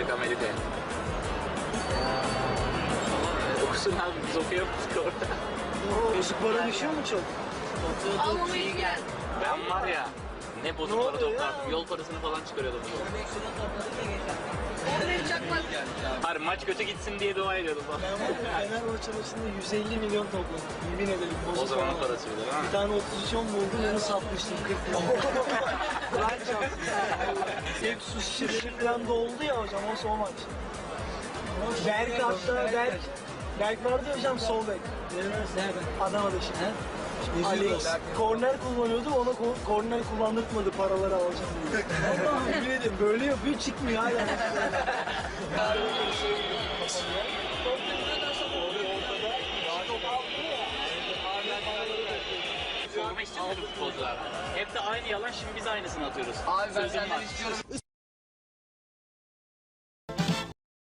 gidecek Amerika'ya. Okusun abi, biz okuyamadık orada. Bozuk para düşüyor mu çok? Almamı ilgilen. Ben var ya, ne bozuk para toplardım, yol parasını falan çıkarıyordum. Onları çakmak. Hayır, maç kötü gitsin diye dua ediyordum falan. Ben Fenerbahçe maçında 150 milyon topladım. Yemin ederim. O zamanın parasıydı ha. Bir tane 33 buldum, onu satmıştım 40 milyon. Lan çarpsın. Hep su şişeleri falan doldu ya hocam, o son maç. Berk hatta Berk vardı ya hocam, sol bek. Adana'da şimdi. Alex korner kullanıyordu, ona korner kullandırtmadı paraları alacağım diye. Allah'ım yemin ederim böyle yapıyor, çıkmıyor hala. Sormak istiyorum futbolculardan. Hep de aynı yalan, şimdi biz aynısını atıyoruz. Abi ben Sözüm senden var. istiyorum.